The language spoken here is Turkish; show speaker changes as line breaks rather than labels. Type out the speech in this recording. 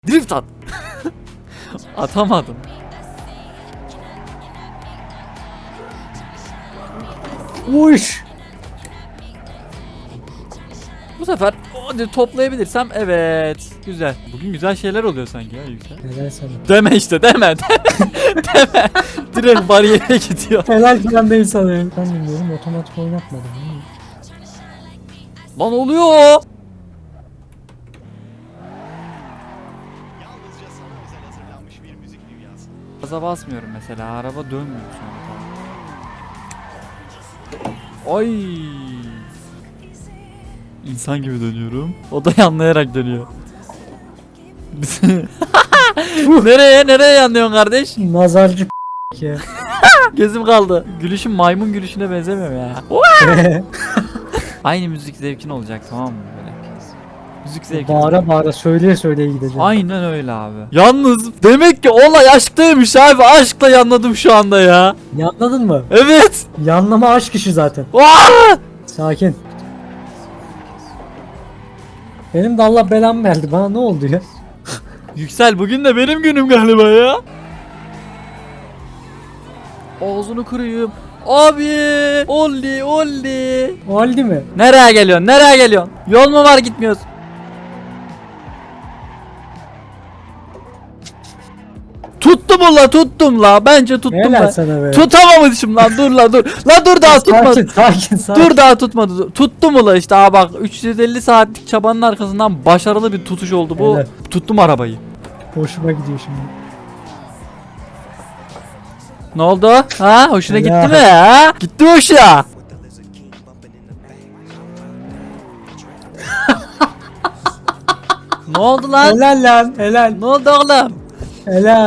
Drift at. Atamadım.
Uş.
Bu sefer hadi toplayabilirsem evet. Güzel. Bugün güzel şeyler oluyor sanki ya Yüksel.
Helal sana.
Deme işte deme. Deme. Direkt bariyere gidiyor.
Helal falan değil sana. Ben bilmiyorum, otomatik oynatmadım.
Lan oluyor.
Yalnızca sana özel hazırlanmış bir müzik dünyası.
Gaza basmıyorum mesela. Araba dönmüyor şu an. Ay. İnsan gibi dönüyorum. O da yanlayarak dönüyor. Nereye yanlıyorsun kardeş?
Nazarcı ya.
Gözüm kaldı. Gülüşüm maymun gülüşüne benzemiyor ya. Aynı müzik zevkin olacak, tamam mı böyle? Müzik zevkin.
Bağıra bağıra söyleye söyleye gideceğim.
Aynen öyle abi. Yalnız demek ki olay aşktaymış abi. Aşkla yanladım şu anda ya.
Yanladın mı?
Evet.
Yanlama aşk işi zaten.
Aa!
Sakin. Benim de Allah belamı verdi. Bana ne oldu ya?
Yüksel, bugün de benim günüm galiba ya. Ağzını kırayım. Abi, olli.
Oldu mi?
Nereye geliyorsun? Yol mu var, gitmiyoruz? Tuttum la. Bence tuttum
Helal
la.
sana be.
Tutamamışım lan, dur. La dur, daha tutmadı.
Sakin.
Dur, daha tutmadı. Tuttum ula işte. Aa bak, 350 saatlik çabanın arkasından başarılı bir tutuş oldu bu.
Helal.
Tuttum arabayı.
Hoşuma gidiyor şimdi.
Ne oldu? Ha? Hoşuna
Helal.
gitti mi ha? Gitti mi hoşuna? Ne oldu lan?
Helal lan helal.
Ne oldu oğlum?
Helal.